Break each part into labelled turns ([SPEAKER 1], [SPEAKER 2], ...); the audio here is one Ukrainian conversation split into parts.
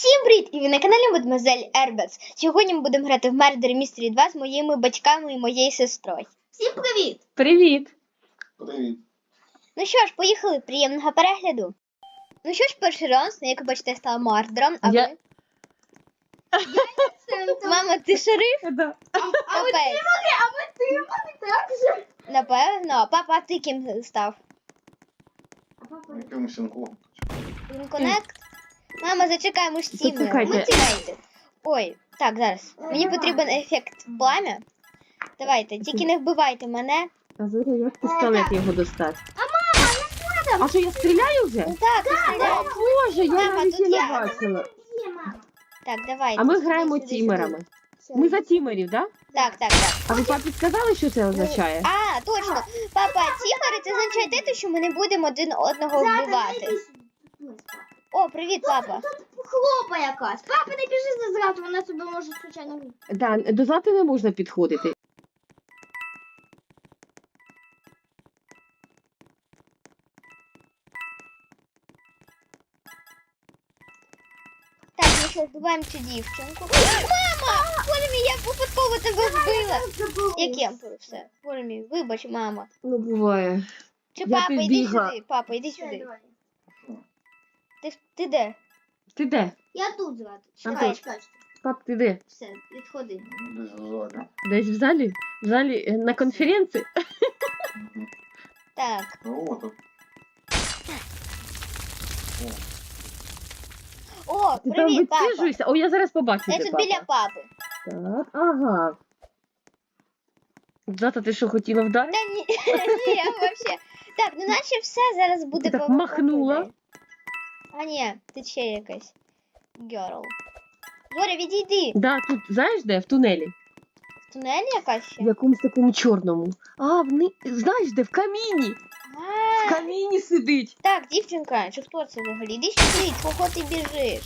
[SPEAKER 1] Всім привіт! І ви на каналі Мадемуазель Ербекс. Сьогодні ми будемо грати в Murder Mystery 2 з моїми батьками і моєю сестрою. Всім привіт!
[SPEAKER 2] Привіт!
[SPEAKER 3] Привіт.
[SPEAKER 1] Ну що ж, поїхали, приємного перегляду. Ну що ж, перший раунд, як ви бачите, я стала мардером, а
[SPEAKER 2] Я-
[SPEAKER 1] ви? Мама, ти шериф?
[SPEAKER 2] Да.
[SPEAKER 1] Капець. Напевно. Папа, а ти ким став?
[SPEAKER 3] Якимось інком.
[SPEAKER 1] Коннект? Мама, зачекай, ми ж тімери.
[SPEAKER 2] Зачекайте.
[SPEAKER 1] Ну, тімейте. Ой, так, зараз. Мені потрібен ефект пламя. Давайте, тільки не вбивайте мене.
[SPEAKER 2] А Зоря, як пістолет його достати? А що, я стріляю вже?
[SPEAKER 1] Ну так, ти стріляй.
[SPEAKER 2] Боже, я
[SPEAKER 1] Мама,
[SPEAKER 2] навіть
[SPEAKER 1] тут
[SPEAKER 2] і не
[SPEAKER 1] я.
[SPEAKER 2] бачила.
[SPEAKER 1] Так, давайте.
[SPEAKER 2] А ми
[SPEAKER 1] сюди,
[SPEAKER 2] граємо
[SPEAKER 1] сюди,
[SPEAKER 2] тімерами.
[SPEAKER 1] сюди.
[SPEAKER 2] Ми за тімерів, так?
[SPEAKER 1] Так.
[SPEAKER 2] А ви папі сказали, що це означає?
[SPEAKER 1] А, точно. Папа, тімери, це означає те, що ми не будемо один одного вбивати. О, привіт, папа.
[SPEAKER 4] Хлопа якась. Папа, не біжи за зраду, вона тебе може случайно вбити.
[SPEAKER 2] Да, до злати не можна підходити.
[SPEAKER 1] Так, ну що, вбиваємо цю дівчинку. Мама! Боже мій, я випадково тебе вбила. Я кемперу, все. Боже мій, вибач, мама.
[SPEAKER 2] Ну, буває.
[SPEAKER 1] Чи
[SPEAKER 2] Я
[SPEAKER 1] папа, іди
[SPEAKER 2] підбігла.
[SPEAKER 1] сюди. Папа, іди сюди. Ти де?
[SPEAKER 2] Ти де?
[SPEAKER 4] Я тут зраду.
[SPEAKER 2] А
[SPEAKER 4] Чекай,
[SPEAKER 2] тут?
[SPEAKER 4] чекай.
[SPEAKER 2] Пап, ти де?
[SPEAKER 4] Все, відходи.
[SPEAKER 3] Десь в залі.
[SPEAKER 2] Десь в залі? В залі на конференції?
[SPEAKER 1] Так.
[SPEAKER 3] Ну от.
[SPEAKER 1] О,
[SPEAKER 2] Ти там
[SPEAKER 1] привіт, папа.
[SPEAKER 2] висиджуєшся? О, я зараз побачу
[SPEAKER 1] Я
[SPEAKER 2] тебе,
[SPEAKER 1] тут
[SPEAKER 2] папа.
[SPEAKER 1] біля папи.
[SPEAKER 2] Так, ага. Злата, ти що, хотіла вдарити?
[SPEAKER 1] Та ні, ні, я вообще. Так, ну наче все зараз буде
[SPEAKER 2] Ти так
[SPEAKER 1] по
[SPEAKER 2] махнула.
[SPEAKER 1] виході. А ні, ти ще якась. Герл. Зоря, відійди.
[SPEAKER 2] Да, тут, знаєш де? В тунелі.
[SPEAKER 1] В тунелі якась ще?
[SPEAKER 2] В якомусь такому чорному. А, знаєш де? В каміні. В
[SPEAKER 1] А,
[SPEAKER 2] каміні сидить.
[SPEAKER 1] так, дівчинка, чи хто це взагалі? Іди сюди, чого ти біжиш?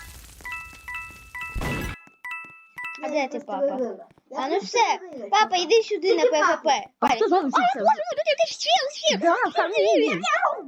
[SPEAKER 1] А де ти, папа? А ну все, папа, іди сюди на ПВП.
[SPEAKER 2] А хто залишився? Да, в каміні.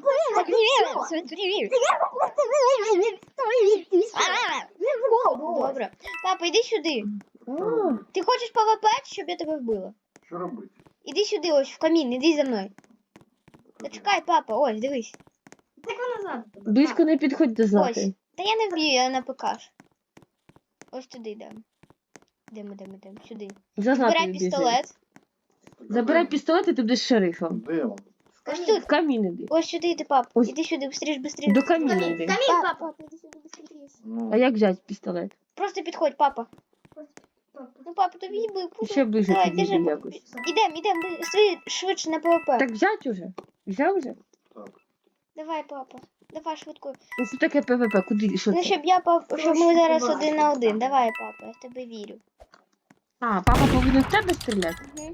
[SPEAKER 1] Добре. Папа, іди сюди.
[SPEAKER 2] А,
[SPEAKER 1] Ти хочеш ПВП, щоб я тебе вбила?
[SPEAKER 3] Що робити?
[SPEAKER 1] Іди сюди, ось в камін, іди за мною. Та чекай, папа, ось, дивись.
[SPEAKER 4] Так вона зраду.
[SPEAKER 2] близько не підходь до
[SPEAKER 1] Ось.
[SPEAKER 2] Злати.
[SPEAKER 1] Та я не вб'ю, я на ПКш. Ось туди йдемо. Йдемо, сюди.
[SPEAKER 2] За
[SPEAKER 1] Збирай
[SPEAKER 2] Златою біжи.
[SPEAKER 1] пістолет.
[SPEAKER 2] Забирай пістолет і ти будеш шерифом.
[SPEAKER 3] Де він?
[SPEAKER 1] Ось тут.
[SPEAKER 2] В камін іди.
[SPEAKER 1] Ось сюди йди, пап.
[SPEAKER 2] Ось.
[SPEAKER 1] Іди сюди, быстріш.
[SPEAKER 2] До каміна
[SPEAKER 4] Камін,
[SPEAKER 2] йди.
[SPEAKER 4] камін, папа. Іди сюди, быстрее.
[SPEAKER 3] Ну,
[SPEAKER 2] А як взяти пістолет?
[SPEAKER 1] Просто підходь, папа. Ну, папа, тобі би.
[SPEAKER 2] Ще ближче
[SPEAKER 1] Давай,
[SPEAKER 2] підійди
[SPEAKER 1] біжи.
[SPEAKER 2] якось.
[SPEAKER 1] Ідем, швидше на ПВП.
[SPEAKER 2] Так взять уже? Взяв уже?
[SPEAKER 3] так.
[SPEAKER 1] Давай, папа. Давай швидко.
[SPEAKER 2] Ну це таке ПВП, куди, що
[SPEAKER 1] Ну,
[SPEAKER 2] це?
[SPEAKER 1] щоб ми зараз 1 на 1. Давай, папа, я в тебе вірю.
[SPEAKER 2] А, папа повинен в тебе стріляти?
[SPEAKER 1] Угу.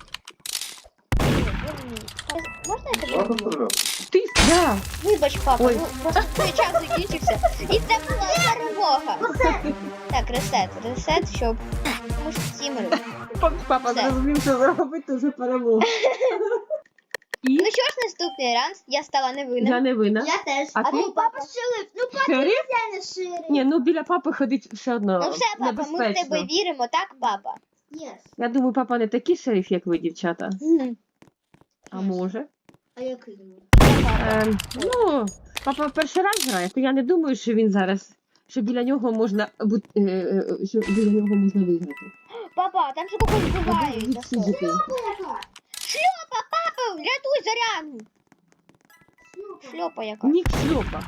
[SPEAKER 1] Можна я тебе
[SPEAKER 3] Ладно,
[SPEAKER 1] вб'ю?
[SPEAKER 3] стріляти.
[SPEAKER 2] Ти, да.
[SPEAKER 1] Вибач, папа,
[SPEAKER 2] Ой.
[SPEAKER 1] ну просто твій час закінчився. І це була перемога. Так, ресет, щоб. Тому що тімери.
[SPEAKER 2] Папа
[SPEAKER 1] Все.
[SPEAKER 2] зрозумів, що зробити вже перемогу. І?
[SPEAKER 1] Ну що ж, наступний ранс, я стала невинним.
[SPEAKER 2] Я не винна.
[SPEAKER 4] Я теж.
[SPEAKER 2] А ти?
[SPEAKER 4] Папа шериф. Ну, папа
[SPEAKER 2] Шериф?
[SPEAKER 4] я не шериф.
[SPEAKER 2] Ні, ну біля папи ходить все одно
[SPEAKER 1] Ну все, папа, ми в тебе
[SPEAKER 2] небезпечно.
[SPEAKER 1] віримо, так, папа?
[SPEAKER 4] Yes.
[SPEAKER 2] Я думаю, папа не такий шериф, як ви, дівчата. А може?
[SPEAKER 4] А який йому?
[SPEAKER 2] Ну, папа перший раз грає, то я не думаю, що він зараз, що біля нього можна що біля нього можна виграти.
[SPEAKER 1] Папа, там же когось вбивають. за що?
[SPEAKER 2] Відсидіти.
[SPEAKER 1] Шльопа, папа, рятуй Зоряну. Шльопа яка.
[SPEAKER 2] Нік шльопа.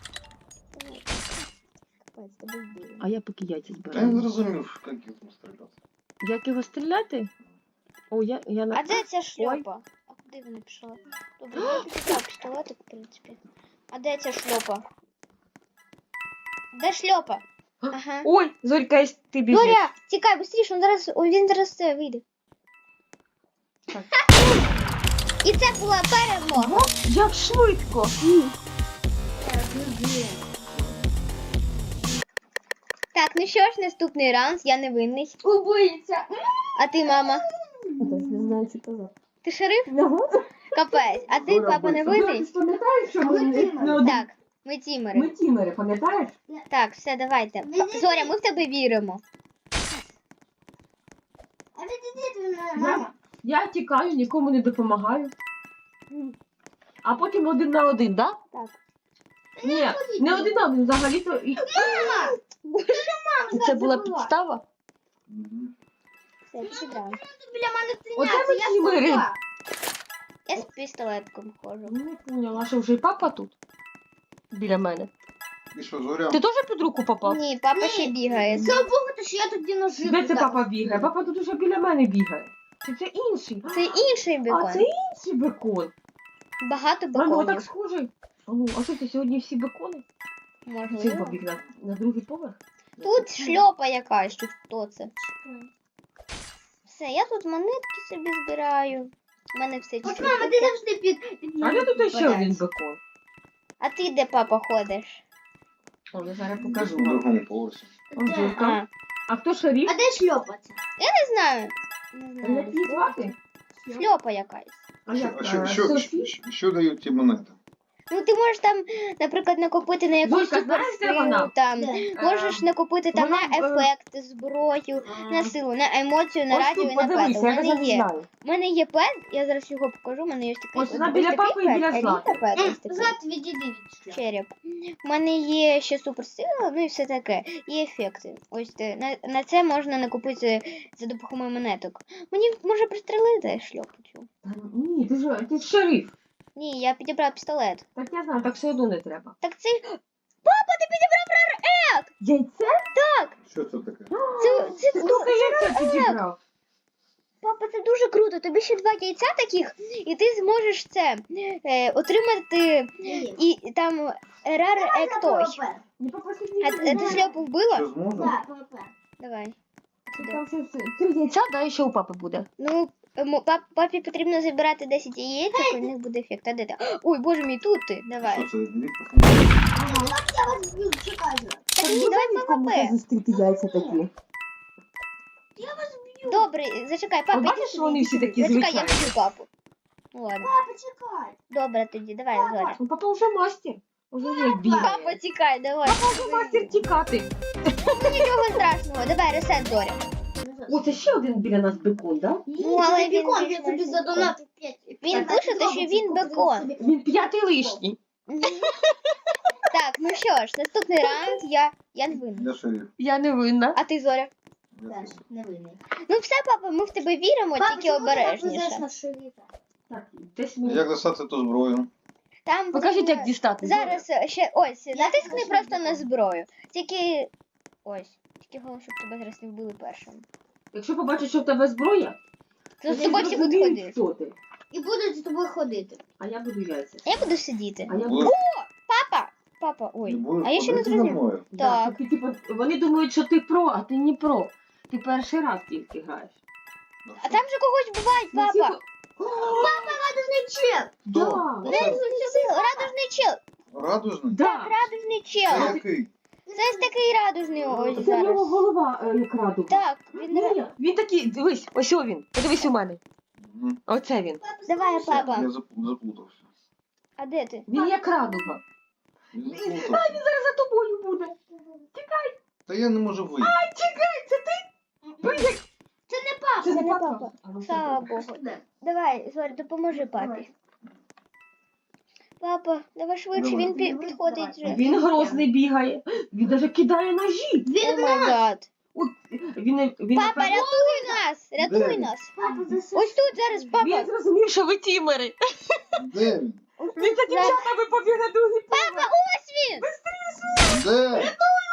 [SPEAKER 1] Капець, тебе вбили.
[SPEAKER 2] А я поки яйця
[SPEAKER 3] Я не
[SPEAKER 2] збираю.
[SPEAKER 3] зрозумів, як їх стріляти.
[SPEAKER 2] Як його стріляти? О, я на...
[SPEAKER 1] А де ця шльопа? А куди вона пішла? Добре, я підібрав пістолетик, в принципі. А де ця шльопа? Де шльопа? Ага.
[SPEAKER 2] Ой, Зорька, ти біжиш.
[SPEAKER 1] Зоря, тікай, швидше, він зараз це вийде.
[SPEAKER 2] Так.
[SPEAKER 1] І це була перемога.
[SPEAKER 2] Як швидко.
[SPEAKER 1] Так, ну що ж, наступний раунд, я невинний.
[SPEAKER 4] Убийця.
[SPEAKER 1] А ти, мама?
[SPEAKER 2] Не знаю, що казати.
[SPEAKER 1] Ти шериф? Капець. А ти,
[SPEAKER 3] Зоря
[SPEAKER 1] папа,
[SPEAKER 3] вбивця.
[SPEAKER 1] невинний?
[SPEAKER 2] Пам'ятаєш, що
[SPEAKER 4] ми
[SPEAKER 1] Так. Ми тімери.
[SPEAKER 2] Ми тімери, пам'ятаєш?
[SPEAKER 1] Так, все, давайте. Зоря, ми в тебе віримо.
[SPEAKER 4] А відійдіть від мама.
[SPEAKER 2] Я тікаю, нікому не допомагаю. А потім 1 на 1, да?
[SPEAKER 1] Так.
[SPEAKER 2] Ні, не 1 на 1, взагалі-то і...
[SPEAKER 4] Мама!
[SPEAKER 2] Це була підстава?
[SPEAKER 3] Мгм.
[SPEAKER 1] Все, підібрали.
[SPEAKER 4] Біля мене
[SPEAKER 2] Оце
[SPEAKER 4] тиняться,
[SPEAKER 2] ми
[SPEAKER 4] я
[SPEAKER 2] тімери.
[SPEAKER 4] сліпа.
[SPEAKER 1] Я з пістолетком ходжу.
[SPEAKER 2] Не поняла, що вже і папа тут? Біля мене.
[SPEAKER 3] І що, Зоря?
[SPEAKER 2] Ти теж під руку попав?
[SPEAKER 1] Ні, папа ще бігає.
[SPEAKER 4] Слава Богу, то що я тоді ножи.
[SPEAKER 2] Де це папа бігає? Папа тут уже біля мене бігає. Чи це інший?
[SPEAKER 1] Це інший
[SPEAKER 2] А,
[SPEAKER 1] бекон.
[SPEAKER 2] це інший бекон.
[SPEAKER 1] Багато
[SPEAKER 2] Воно так
[SPEAKER 1] беконів.
[SPEAKER 2] схожий. А що це сьогодні всі бекони? Цей
[SPEAKER 1] Можливо.
[SPEAKER 2] побіг на другий поверх?
[SPEAKER 1] Тут шльопа якась, чи хто це? Все, я тут монетки собі збираю. У мене все
[SPEAKER 4] От
[SPEAKER 1] чуть-чуть
[SPEAKER 4] мама, ти
[SPEAKER 1] таке.
[SPEAKER 4] завжди під
[SPEAKER 2] А я тут ще
[SPEAKER 4] попадаєш.
[SPEAKER 2] один бекон.
[SPEAKER 1] А ти де, папа, ходиш?
[SPEAKER 2] О, я зараз
[SPEAKER 3] На
[SPEAKER 2] покажу вам.
[SPEAKER 3] другому поверсі.
[SPEAKER 2] Он
[SPEAKER 4] Де?
[SPEAKER 2] Жорка.
[SPEAKER 1] А,
[SPEAKER 2] А хто шарів?
[SPEAKER 4] А де шльопаться?
[SPEAKER 1] не знаю. Не
[SPEAKER 2] Як
[SPEAKER 1] знаю.
[SPEAKER 2] її звати?
[SPEAKER 1] Шльопа якась.
[SPEAKER 2] А як?
[SPEAKER 3] Що, що дають ті монети?
[SPEAKER 1] Ну, ти можеш там, наприклад, накопити на якусь
[SPEAKER 2] Зойка, знаєш, де
[SPEAKER 1] суперсилу,
[SPEAKER 2] вона?
[SPEAKER 1] там,
[SPEAKER 4] Де?
[SPEAKER 1] можеш накопити там
[SPEAKER 2] вона,
[SPEAKER 1] на ефект, зброю, на силу, на емоцію, на
[SPEAKER 2] Ось
[SPEAKER 1] радіо
[SPEAKER 2] тут
[SPEAKER 1] і на пет.
[SPEAKER 2] подивися,
[SPEAKER 1] У
[SPEAKER 2] я
[SPEAKER 1] мене
[SPEAKER 2] навіть не
[SPEAKER 1] є.
[SPEAKER 2] знаю.
[SPEAKER 1] У мене є пет, я зараз його покажу, у мене є такий.
[SPEAKER 2] Ось вона біля
[SPEAKER 1] такий
[SPEAKER 2] папи і
[SPEAKER 1] пет,
[SPEAKER 2] біля
[SPEAKER 1] еліта
[SPEAKER 2] Злати.
[SPEAKER 1] пет, ось такий.
[SPEAKER 4] Злат, відійди від шльопа.
[SPEAKER 1] Череп. У мене є ще суперсила, ну і все таке. І ефекти. Ось на це можна накопити за допомогою монеток. Мені може пристрелити шльопу цю.
[SPEAKER 2] Ні, ти ж шериф.
[SPEAKER 1] Ні, я підібрав пістолет.
[SPEAKER 2] Так я знаю, так все одно не треба.
[SPEAKER 1] Так це. Папа, ти підібрав рар-ек!
[SPEAKER 2] Яйце?
[SPEAKER 3] Що це таке?
[SPEAKER 1] Це
[SPEAKER 2] Слухай, яйце підібрав.
[SPEAKER 1] Папа, це дуже круто. Тобі ще 2 яйця таких, і ти зможеш це отримати і там рар-ек той.
[SPEAKER 2] Не попросив
[SPEAKER 1] А ти шльопу вбила?
[SPEAKER 3] Що зможу?
[SPEAKER 4] Так, папа.
[SPEAKER 1] Давай. Сюди.
[SPEAKER 2] Там ще 3 яйця, да, і ще у папи буде.
[SPEAKER 1] Ну, папі потрібно забирати 10 яєць, і у них буде ефект. А де ти? Ой, боже мій, тут ти. Давай.
[SPEAKER 3] Що це? Дивіться.
[SPEAKER 4] Я вас б'ю, чекаю.
[SPEAKER 1] Так ні, давай ПВП.
[SPEAKER 2] зустріти яйця такі.
[SPEAKER 4] Я вас б'ю.
[SPEAKER 1] Добре, зачекай, папа.
[SPEAKER 2] От бачиш,
[SPEAKER 1] іди
[SPEAKER 2] що
[SPEAKER 1] сюди,
[SPEAKER 2] вони
[SPEAKER 1] іди
[SPEAKER 2] всі
[SPEAKER 1] сюди.
[SPEAKER 2] такі
[SPEAKER 1] Зачекай, я
[SPEAKER 2] звичайні?
[SPEAKER 1] б'ю папу. Ну ладно.
[SPEAKER 4] Папа, чекай.
[SPEAKER 1] Добре тоді, давай, Зоря.
[SPEAKER 2] Ну, папа вже мастер. Уже як бігає.
[SPEAKER 1] Папа, тікай, давай.
[SPEAKER 2] Папа вже мастер тікати.
[SPEAKER 1] Ну нічого страшного, давай, ресет, Зоря.
[SPEAKER 2] О, це ще один біля нас бекон, да?
[SPEAKER 1] Ну, але він
[SPEAKER 4] бікон,
[SPEAKER 1] більш
[SPEAKER 4] я тобі
[SPEAKER 1] менш
[SPEAKER 4] задонатив 5.
[SPEAKER 1] Він пише, що він бекон.
[SPEAKER 2] Він 5-й лишній.
[SPEAKER 1] Мгм. Так, ну що ж, наступний раунд я не винна.
[SPEAKER 3] Я шериф.
[SPEAKER 2] Я не винна.
[SPEAKER 1] А ти, Зоря?
[SPEAKER 3] Я
[SPEAKER 4] Теж
[SPEAKER 3] шериф.
[SPEAKER 4] невинний.
[SPEAKER 1] Ну все, папа, ми в тебе віримо, тільки обережніше.
[SPEAKER 4] на шерифа?
[SPEAKER 2] Так, десь
[SPEAKER 3] Як достати ту зброю?
[SPEAKER 1] Там
[SPEAKER 2] Покажіть,
[SPEAKER 1] потрібно-
[SPEAKER 2] як дістати.
[SPEAKER 1] Зараз ще ось, натискни
[SPEAKER 4] я
[SPEAKER 1] просто
[SPEAKER 4] не
[SPEAKER 1] на
[SPEAKER 4] знаю.
[SPEAKER 1] зброю. Тільки ось. Тільки головне, щоб тебе зараз не вбили першим.
[SPEAKER 2] Якщо побачиш, що в тебе зброя,
[SPEAKER 1] То з
[SPEAKER 2] вони
[SPEAKER 1] тобою всі будуть
[SPEAKER 2] зрозуміють,
[SPEAKER 1] ходити.
[SPEAKER 2] хто ти.
[SPEAKER 4] І будуть з тобою ходити.
[SPEAKER 2] А я буду яйця.
[SPEAKER 1] А я буду сидіти.
[SPEAKER 2] А я
[SPEAKER 3] Будеш-
[SPEAKER 2] буду...
[SPEAKER 1] Папа! Папа, ой.
[SPEAKER 3] Не будеш
[SPEAKER 1] А я ще не
[SPEAKER 3] ходити за
[SPEAKER 1] зрозуміла.
[SPEAKER 3] мною?
[SPEAKER 2] Да,
[SPEAKER 1] Так.
[SPEAKER 2] ти, типу, вони думають, що ти про, а ти не про. Ти перший раз тільки граєш.
[SPEAKER 1] А там же когось бувають,
[SPEAKER 2] Ну, всі
[SPEAKER 1] папа.
[SPEAKER 2] по-
[SPEAKER 4] Радужний чел.
[SPEAKER 2] Да,
[SPEAKER 1] Радужний чел.
[SPEAKER 3] Радужний?
[SPEAKER 2] да.
[SPEAKER 1] Радужний
[SPEAKER 3] Це
[SPEAKER 1] чел.
[SPEAKER 3] який?
[SPEAKER 1] Це ось такий радужний ось
[SPEAKER 2] Це в нього
[SPEAKER 1] зараз.
[SPEAKER 2] голова як радуга.
[SPEAKER 1] Так, він
[SPEAKER 2] Ні, він такий, дивись, ось о він. Подивись у мене.
[SPEAKER 3] Мгм.
[SPEAKER 2] Оце він.
[SPEAKER 1] Давай, папа.
[SPEAKER 3] Я заплутався.
[SPEAKER 1] А де ти?
[SPEAKER 2] Він як радуга.
[SPEAKER 3] Я
[SPEAKER 2] Він
[SPEAKER 3] заплутався.
[SPEAKER 2] зараз за тобою буде.
[SPEAKER 3] Та я не можу вийти.
[SPEAKER 2] Чекай, це ти? Прийди.
[SPEAKER 4] Це не папа.
[SPEAKER 2] Це
[SPEAKER 1] не
[SPEAKER 2] не
[SPEAKER 1] папа.
[SPEAKER 2] папа. А, ну,
[SPEAKER 1] Слава
[SPEAKER 2] все.
[SPEAKER 1] Богу. Давай, Зоря, допоможи папі. Папа, давай швидше,
[SPEAKER 3] Давай.
[SPEAKER 1] він підходить вже.
[SPEAKER 2] Він грозний бігає. Він навіть кидає ножі.
[SPEAKER 1] О май гад.
[SPEAKER 2] От, він
[SPEAKER 1] Папа,
[SPEAKER 2] напевно,
[SPEAKER 1] рятуй нас! Рятуй
[SPEAKER 3] Де?
[SPEAKER 1] нас!
[SPEAKER 4] Папа, засуй.
[SPEAKER 1] Ось тут зараз,
[SPEAKER 2] він
[SPEAKER 1] папа!
[SPEAKER 2] зрозумів, що ви тімери.
[SPEAKER 3] Де він?
[SPEAKER 2] Він за дівчатами побіг на другий
[SPEAKER 1] Папа, ось він!
[SPEAKER 3] Де?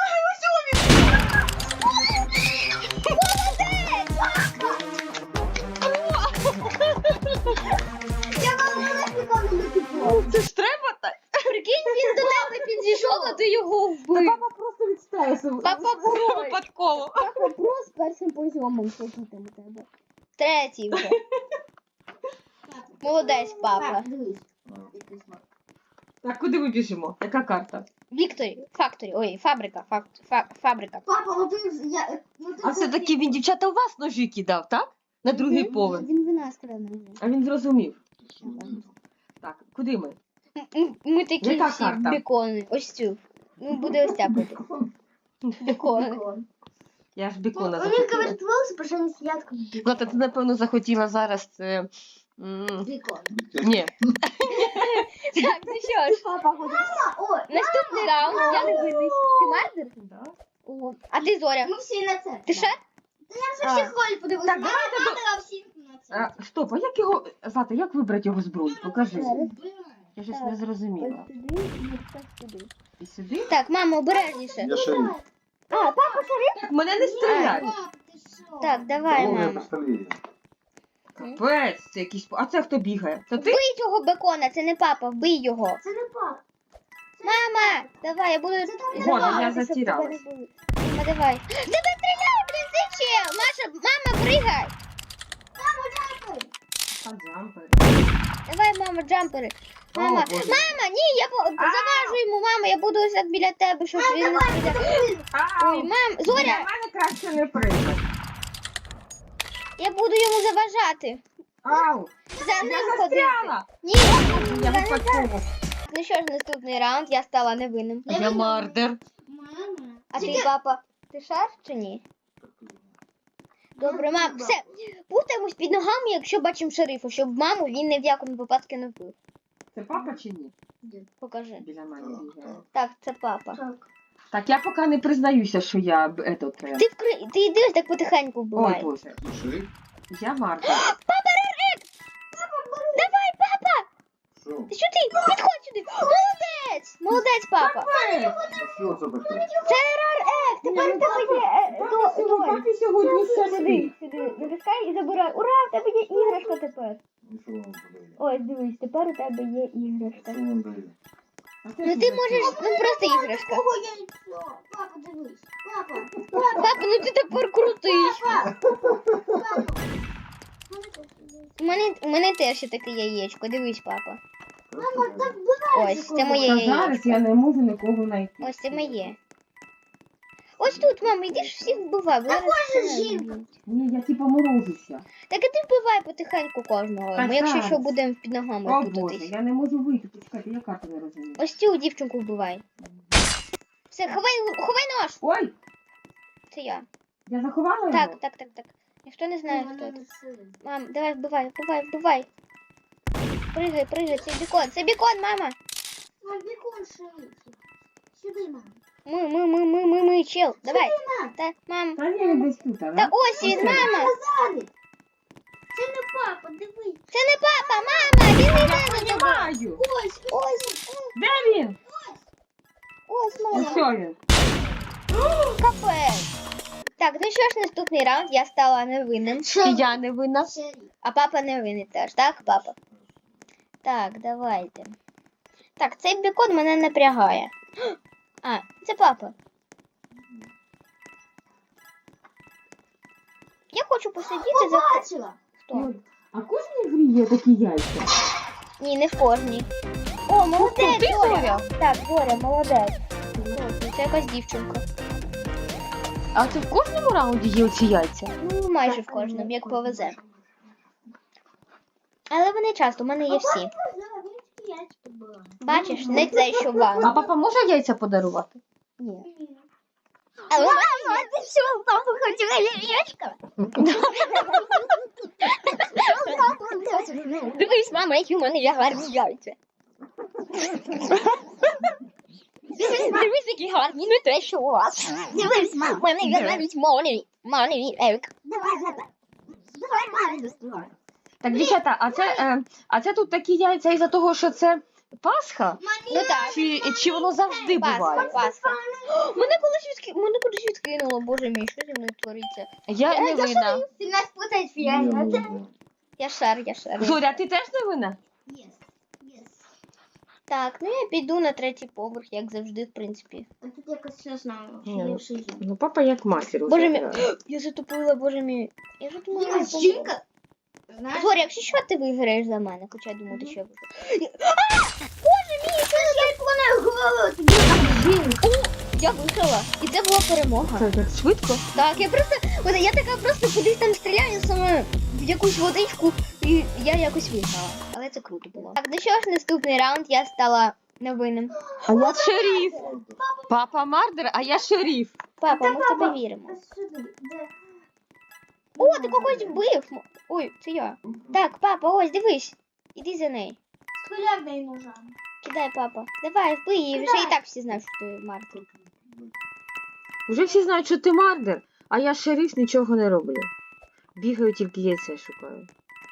[SPEAKER 4] Я вам не ніколи не піду.
[SPEAKER 2] Це ж треба так.
[SPEAKER 1] Прикинь, він до тебе підійшов, а ти його
[SPEAKER 2] Та
[SPEAKER 1] вбив.
[SPEAKER 2] папа просто відстресив.
[SPEAKER 1] Папа герой.
[SPEAKER 2] Випадково.
[SPEAKER 1] Папа про з першим позйомом слухати у тебе. Третій вже. Молодець, папа.
[SPEAKER 4] Дивись.
[SPEAKER 2] Так, куди ми біжимо? Яка карта?
[SPEAKER 1] Вікторі, факторі, ой, фабрика, фабрика.
[SPEAKER 4] Папа, ну ти... Я... Ну, ти
[SPEAKER 2] А все-таки він дівчата у вас ножі кидав, так? На другий поверх.
[SPEAKER 1] Він в нас краде.
[SPEAKER 2] А він зрозумів. Так, куди ми?
[SPEAKER 1] Ми такі
[SPEAKER 2] Яка
[SPEAKER 1] всі
[SPEAKER 2] карта?
[SPEAKER 1] бікони. Ось цю. Ну, буде ось так бути. Бікони.
[SPEAKER 2] Я ж бікона
[SPEAKER 4] У них,
[SPEAKER 2] захотіла.
[SPEAKER 4] говорит, волосы, потому что они сидят как
[SPEAKER 2] Злата, ти, напевно, захотіла зараз це...
[SPEAKER 4] бекон.
[SPEAKER 2] Ні.
[SPEAKER 1] Так, ну що ж.
[SPEAKER 4] Папа ходит. Ой,
[SPEAKER 1] Наступний раунд. Я не винись. Ти мардер? О, а ти Зоря?
[SPEAKER 4] мы все на це.
[SPEAKER 1] Ти ще?
[SPEAKER 4] Та я вже всіх роль подивилась.
[SPEAKER 2] Так,
[SPEAKER 4] Мама надала всіх на це.
[SPEAKER 2] Стоп, а як його... Злата, як вибрати його зброю? Покажи. Я щось не зрозуміла. І сюди?
[SPEAKER 1] Так, мама, обережніше.
[SPEAKER 3] Я шериф.
[SPEAKER 2] Мене не стріляй.
[SPEAKER 4] Папа, ти що?
[SPEAKER 1] Так, давай,
[SPEAKER 3] Головне
[SPEAKER 1] мама.
[SPEAKER 3] пістолет.
[SPEAKER 2] Капець, це якийсь... А це хто бігає? Це ти?
[SPEAKER 1] Вбий цього бекона, це не папа, вбий його.
[SPEAKER 4] Це не папа.
[SPEAKER 1] Мама, давай, я буду...
[SPEAKER 2] Боже, я
[SPEAKER 1] Щоб тебе
[SPEAKER 2] затіралась.
[SPEAKER 1] не було. Мама, давай. Тебе стріляє, блін, цей чел. Маша, мама, пригай.
[SPEAKER 2] Джампер.
[SPEAKER 1] Давай, мама, джампери.
[SPEAKER 2] О,
[SPEAKER 1] Мама,
[SPEAKER 2] Боже.
[SPEAKER 1] мама, ні, я заважу йому, мама, я буду ось так біля тебе, щоб він не стріляв. Ой, мам,
[SPEAKER 2] Для
[SPEAKER 1] Зоря,
[SPEAKER 2] мене краще не прийде.
[SPEAKER 1] я буду йому заважати.
[SPEAKER 2] Ау!
[SPEAKER 1] За
[SPEAKER 2] Я
[SPEAKER 1] ним ходити.
[SPEAKER 2] застряла!
[SPEAKER 1] Ні,
[SPEAKER 2] Я випадково.
[SPEAKER 1] ну що ж, наступний раунд, я стала невинним.
[SPEAKER 2] Я мардер.
[SPEAKER 4] Мама.
[SPEAKER 1] А ти, папа, ти шар чи ні? Добре, мам, все, путаємось під ногами, якщо бачимо шерифа, щоб маму він ні в якому випадку не вбив.
[SPEAKER 2] Це папа чи ні?
[SPEAKER 1] Покажи.
[SPEAKER 2] Біля мене бігає.
[SPEAKER 1] Так, це папа.
[SPEAKER 4] Так.
[SPEAKER 2] Так, я поки не признаюся, що я
[SPEAKER 1] Ти йди ось так потихеньку
[SPEAKER 2] Ой,
[SPEAKER 1] вбивай.
[SPEAKER 2] Боже.
[SPEAKER 3] Ну, шериф?
[SPEAKER 2] Я мардер.
[SPEAKER 1] Давай, папа!
[SPEAKER 3] Що?
[SPEAKER 1] Ти що ти? Підходь сюди! Молодець! Молодець, папа!
[SPEAKER 3] Що це таке?
[SPEAKER 1] Це рар Тепер в тебе є
[SPEAKER 2] Папі сьогодні
[SPEAKER 1] Сюди,
[SPEAKER 2] щастить.
[SPEAKER 1] сюди. Натискай і забирай. Ура, в тебе є іграшка тепер.
[SPEAKER 3] Ну, що вам подає?
[SPEAKER 1] Ось, дивись, тепер у тебе є іграшка.
[SPEAKER 3] Що вам дає?
[SPEAKER 1] Ну ти можеш, ну просто іграшка.
[SPEAKER 4] Ого, яйцо. Папа, дивись. Папа.
[SPEAKER 1] Папа, ну ти тепер крутий. У мене теж є таке яєчко. Дивись, папа.
[SPEAKER 3] Мама, так
[SPEAKER 1] Ось, це моє
[SPEAKER 2] Та
[SPEAKER 1] яєчко.
[SPEAKER 2] зараз я не можу нікого знайти.
[SPEAKER 1] Ось це моє. Ось тут, мама, йди ж всіх вбивай. бо зараз
[SPEAKER 4] Також
[SPEAKER 1] мене
[SPEAKER 4] жінка.
[SPEAKER 1] вб'ють.
[SPEAKER 2] Ні, я типа морозуся.
[SPEAKER 1] Так і ти вбивай потихеньку кожного.
[SPEAKER 2] Так,
[SPEAKER 1] Ми якщо
[SPEAKER 2] зараз.
[SPEAKER 1] що будемо під ногами
[SPEAKER 2] О, Боже,
[SPEAKER 1] путатись.
[SPEAKER 2] я не можу вийти. Почекайте, я карту не розумію.
[SPEAKER 1] Ось цю дівчинку вбивай. Все, ховай нож!
[SPEAKER 2] Ой,
[SPEAKER 1] Це я.
[SPEAKER 2] я заховала його?
[SPEAKER 1] Так. Ніхто не знає, хто це. Мам, давай, вбивай. Пригай, це бікон, мама.
[SPEAKER 4] Мам, бекон шериф. Сюди, мам.
[SPEAKER 1] Ми, чел, давай.
[SPEAKER 4] мам.
[SPEAKER 1] Та, мам.
[SPEAKER 2] Та ні, він десь тут,
[SPEAKER 1] Та
[SPEAKER 2] да?
[SPEAKER 1] ось він, мама.
[SPEAKER 4] Казали. Це не папа, дивись.
[SPEAKER 1] Це не папа, мама, він не йде за тобою.
[SPEAKER 2] Понімаю.
[SPEAKER 4] Ось.
[SPEAKER 2] Де він?
[SPEAKER 1] Ось,
[SPEAKER 2] Ну
[SPEAKER 1] мама.
[SPEAKER 2] що він?
[SPEAKER 1] Капець. Так, ну що ж, наступний раунд, я стала невинним.
[SPEAKER 2] Я не винна.
[SPEAKER 4] Шериф.
[SPEAKER 1] А папа не винен теж, так, папа? Так, давайте. Так, цей бікон мене напрягає. А, це папа. Я хочу посидіти за...
[SPEAKER 4] Побачила.
[SPEAKER 1] Хто?
[SPEAKER 2] А в кожній грі є такі яйця?
[SPEAKER 1] Ні, не в кожній. О, молодець,
[SPEAKER 2] ти,
[SPEAKER 1] Зоря. Так, Зоря, молодець. Ось, це якась дівчинка.
[SPEAKER 2] А це в кожному раунді є оці яйця?
[SPEAKER 1] Ну, майже в кожному, як повезе. Але вони часто, у мене є всі. Бачиш, не те, що
[SPEAKER 2] А
[SPEAKER 1] вам.
[SPEAKER 2] папа може яйця подарувати?
[SPEAKER 1] Ні. Але мама, ти що, папа хотіла яєчко? Дивись, мама, які у мене є гарні яйця. Дивись, які гарні, не те, що у вас. Дивись, мама, у мене є навіть маленький ек.
[SPEAKER 4] Давай мамі доставай.
[SPEAKER 2] Так, дівчата, а це тут такі яйця із-за того, що це Пасха?
[SPEAKER 1] Ну так.
[SPEAKER 2] Чи воно завжди буває?
[SPEAKER 1] Пасха. Мене кудись відкинуло, боже мій, що зі мною твориться?
[SPEAKER 2] Я не винна.
[SPEAKER 4] Ти нас путаєш, Фіаня.
[SPEAKER 1] Я шар.
[SPEAKER 2] Зоря, ти теж не винна?
[SPEAKER 4] Yes.
[SPEAKER 1] Так, ну я піду на третій поверх, як завжди, в принципі.
[SPEAKER 4] А тут якось не знаю.
[SPEAKER 2] Ні. Ну, папа як мастер.
[SPEAKER 1] Боже мій, я затупила, боже мій. Я вже думала, я помру.
[SPEAKER 4] Жінка. Знаєш?
[SPEAKER 1] Зоря, якщо що, ти виграєш за мене, хоча я думаю, ти ще виграєш. Боже мій, що ж я
[SPEAKER 4] Вона голову тобі жінка.
[SPEAKER 1] Я виграла. І це була перемога.
[SPEAKER 2] Це так швидко?
[SPEAKER 1] Так, я така просто кудись там стріляю саме в якусь водичку, і я якось виграла. Але це круто було. Так, ну що ж, наступний раунд я стала невинним.
[SPEAKER 2] А я шериф. Папа Мардер, а я шериф.
[SPEAKER 1] Папа, ми в тебе віримо. О, ти когось вбив! Ой, це я. Так, папа, ось, дивись. Іди за нею.
[SPEAKER 4] Скалярний ножа.
[SPEAKER 1] Кидай, папа. Давай, вбий її. Вже і так всі знають, що ти Мартин.
[SPEAKER 2] Уже всі знають, що ти Мардер, а я шериф, нічого не роблю. Бігаю, тільки яйця шукаю.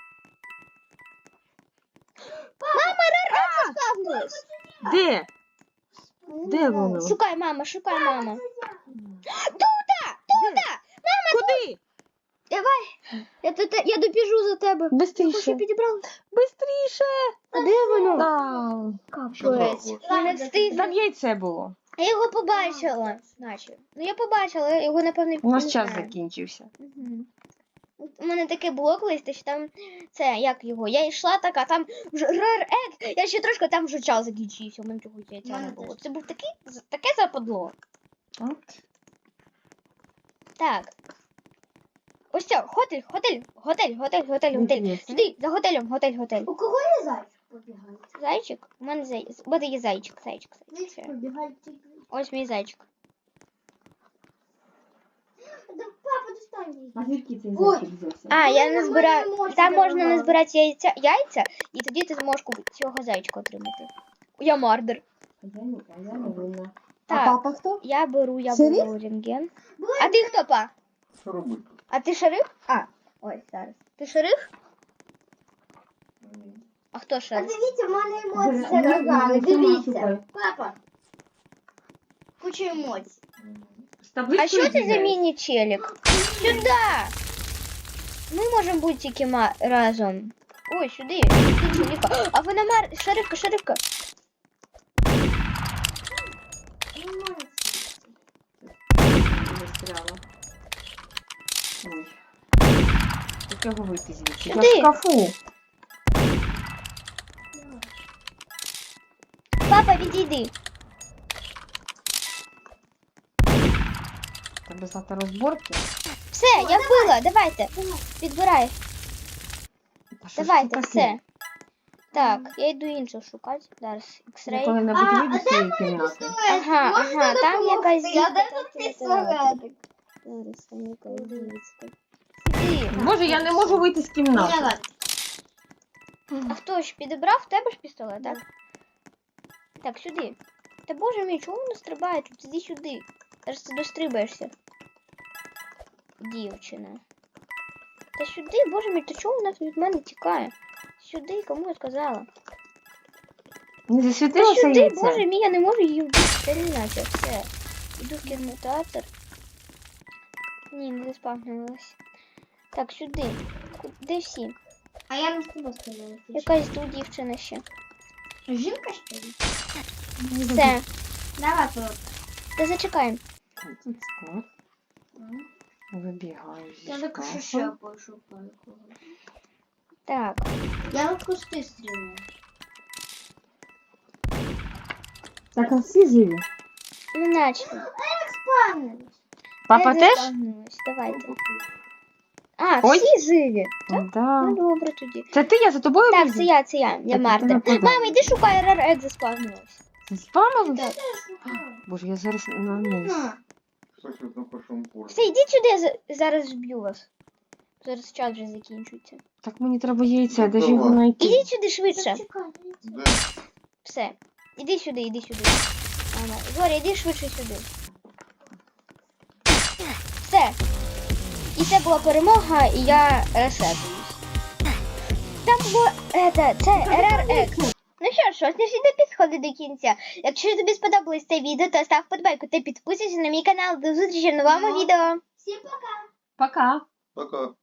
[SPEAKER 1] Ставнулась.
[SPEAKER 2] Де? Де воно?
[SPEAKER 1] Шукай, мама, шукай, мама.
[SPEAKER 2] Куди?
[SPEAKER 1] Я добіжу за тебе.
[SPEAKER 2] Бистріше.
[SPEAKER 1] Підібрала.
[SPEAKER 2] Бистріше.
[SPEAKER 1] А де воно?
[SPEAKER 2] Там.
[SPEAKER 1] Капець. Я не встигла.
[SPEAKER 2] Там яйце було.
[SPEAKER 1] Я його побачила. Наче. Ну я побачила, його напевно.
[SPEAKER 2] У нас
[SPEAKER 1] не
[SPEAKER 2] час
[SPEAKER 1] знаю.
[SPEAKER 2] закінчився.
[SPEAKER 1] Мгм. У мене таке було колись, що там це як його. Я йшла така, там вже рар ек. Я ще трошки там вже час закінчився. У мене цього яйця не було. Це був таке западло.
[SPEAKER 2] От.
[SPEAKER 1] Так. Ось це, готель.
[SPEAKER 2] Інтересно.
[SPEAKER 1] Сюди, за готель.
[SPEAKER 4] У кого є зайчик побігає?
[SPEAKER 1] Зайчик? У мене є зайчик. Все.
[SPEAKER 4] Побігає тільки.
[SPEAKER 1] Ось мій зайчик.
[SPEAKER 4] Папа, достань її.
[SPEAKER 2] А звідки цей
[SPEAKER 4] Ой.
[SPEAKER 2] зайчик взявся?
[SPEAKER 1] А, я не
[SPEAKER 4] Ми
[SPEAKER 1] збираю.
[SPEAKER 4] не можемо
[SPEAKER 1] Там можна
[SPEAKER 4] збирати.
[SPEAKER 1] не збирати яйця, і тоді ти зможеш цього зайчика отримати. Я мардер.
[SPEAKER 2] А я не винна.
[SPEAKER 1] Так.
[SPEAKER 2] А папа хто?
[SPEAKER 1] Я беру
[SPEAKER 2] Шериф?
[SPEAKER 1] рентген. А ти хто, па?
[SPEAKER 3] Що робити?
[SPEAKER 1] А ти шериф? Ой, зараз. Ти шериф? А хто
[SPEAKER 4] А
[SPEAKER 1] шериф?
[SPEAKER 4] дивіться, в мене
[SPEAKER 2] Ну,
[SPEAKER 4] емоції
[SPEAKER 2] ну,
[SPEAKER 4] заражали.
[SPEAKER 2] ну,
[SPEAKER 4] Дивіться.
[SPEAKER 2] шукай.
[SPEAKER 4] Папа. Куча емоцій.
[SPEAKER 2] З табличкою
[SPEAKER 1] А що це за
[SPEAKER 2] бігаєш?
[SPEAKER 1] міні-челік? Сюди! Ми можемо бути тільки разом. Ой, сюди. Челіка. А вона шерифка.
[SPEAKER 2] Застряла. Ой. Як його вийти звідси? Я
[SPEAKER 1] Сюди.
[SPEAKER 2] в шкафу.
[SPEAKER 1] Папа, відійди.
[SPEAKER 2] Треба знати розборки.
[SPEAKER 1] Все, я вбила, давайте. Підбирай.
[SPEAKER 2] А що ж
[SPEAKER 1] Давайте,
[SPEAKER 2] це таке?
[SPEAKER 1] все. Так, я йду іншу шукати. Зараз
[SPEAKER 2] Я
[SPEAKER 1] X-ray.
[SPEAKER 2] коли-небудь вийду з цієї кімнати.
[SPEAKER 1] Ага, там якась
[SPEAKER 4] Я
[SPEAKER 1] дівка.
[SPEAKER 4] де тут пістолетик?
[SPEAKER 1] Зараз там якась дівчинка. Сюди.
[SPEAKER 2] Боже, я не можу вийти з кімнати.
[SPEAKER 1] А хто ж підібрав? В тебе ж пістолет, так? Так, сюди. Та боже мій, чому воно стрибає тут? Іди сюди. Зараз ти дострибаєшся. Дівчина. Та сюди, боже мій, то чому вона від мене тікає? Сюди, кому я сказала?
[SPEAKER 2] Не
[SPEAKER 1] Та
[SPEAKER 2] засвітилося
[SPEAKER 1] сюди,
[SPEAKER 2] яйце?
[SPEAKER 1] боже мій, я не можу її вбити. Термінація, все. Іду в кінотеатр. Ні, не заспавнилась. Так, сюди. Де всі?
[SPEAKER 4] А я не з тобою сказала.
[SPEAKER 1] Якась тут дівчина ще.
[SPEAKER 4] Жінка що ли?
[SPEAKER 1] Все.
[SPEAKER 4] Давай тут.
[SPEAKER 1] Та зачекаємо.
[SPEAKER 2] Тут склад. Вибігаю зі
[SPEAKER 4] Я так
[SPEAKER 2] шкафу.
[SPEAKER 4] ще пошукаю когось.
[SPEAKER 1] Так.
[SPEAKER 4] Я в кусти стріляю.
[SPEAKER 2] Так, а всі живі?
[SPEAKER 1] Ну, наче.
[SPEAKER 4] Спавнились.
[SPEAKER 2] Папа
[SPEAKER 1] Я
[SPEAKER 2] теж?
[SPEAKER 1] заспавнилась. Давайте. А,
[SPEAKER 2] Ой.
[SPEAKER 1] всі живі.
[SPEAKER 2] Да.
[SPEAKER 1] Ну, добре тоді.
[SPEAKER 2] Це ти, я за тобою
[SPEAKER 1] Так,
[SPEAKER 2] біжу?
[SPEAKER 1] це я. Я
[SPEAKER 2] Так, ти
[SPEAKER 1] Мартин.
[SPEAKER 2] нападала.
[SPEAKER 1] Мама, йди шукай, рар-ек заспавнилась.
[SPEAKER 2] Це спамили?
[SPEAKER 1] Так.
[SPEAKER 2] Боже, я зараз на низ.
[SPEAKER 3] Щось на першому поверсі.
[SPEAKER 1] Все, йдіть сюди, зараз зб'ю вас. Зараз час вже закінчується.
[SPEAKER 2] Так мені треба яйця, де ж
[SPEAKER 3] Давай.
[SPEAKER 2] його знайти?
[SPEAKER 1] Ідіть сюди швидше.
[SPEAKER 3] Де?
[SPEAKER 1] Все. Іди сюди. Мама. Зоря, іди швидше сюди. Все. І це була перемога, і я ресетуюсь. Там було це РРЕК. Ну що ж, ось наш відео підходить до кінця. Якщо тобі сподобалось це відео, то став подбайку та підписуйся на мій канал. До зустрічі в новому відео.
[SPEAKER 4] Всім пока.
[SPEAKER 2] Пока.
[SPEAKER 3] Пока.